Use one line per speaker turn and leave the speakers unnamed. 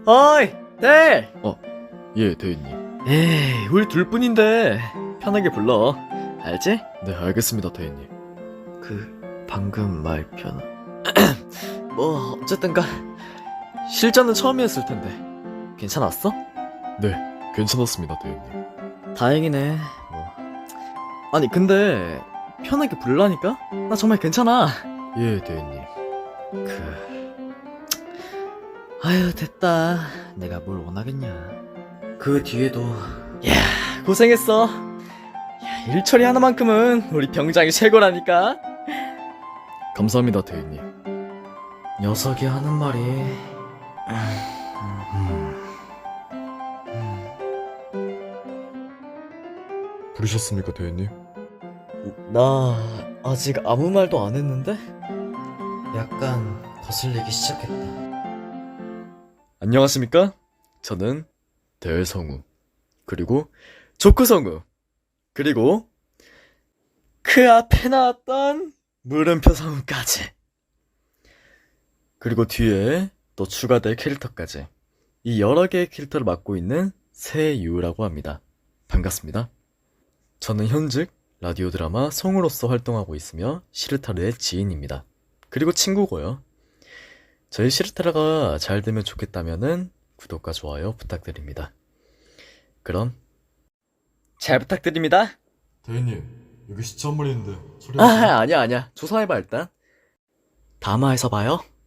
어이, 네.
예, 대인님.
에이, 우리 둘뿐인데 편하게 불러. 알지?
네, 알겠습니다, 대인님.
방금 말 편하. 뭐 어쨌든가 실전은 처음이었을 텐데 괜찮았어?
네, 괜찮았습니다, 대인님.
다행이네. 뭐. 아니 근데 편하게 불라니까? 나 정말 괜찮아.
예, 대인님.
아유 됐다. 내가 뭘 원하겠냐. 그 뒤에도 야 고생했어. 야, 일 처리 하나만큼은 우리 병장이 최고라니까.
감사합니다, 대인님.
녀석이 하는 말이
부르셨습니까, 대인님?
나 아직 아무 말도 안 했는데? 약간 거슬리기 시작했다.
안녕하십니까? 저는 대성우, 그리고 조크성우, 그리고
그 앞에 나왔던 물음표 성우까지.
그리고 뒤에 또 추가될 캐릭터까지. 이 여러 개의 캐릭터를 맡고 있는 세유라고 합니다. 반갑습니다. 저는 현직 라디오 드라마 성우로서 활동하고 있으며 시르타르의 지인입니다. 그리고 친구고요. 저희 시르타르가 잘 되면 좋겠다면은 구독과 좋아요 부탁드립니다. 그럼
잘 부탁드립니다.
대인님, 여기 시체 한 마리 있는데 소리
아니야 조사해봐 일단. 다마에서 봐요.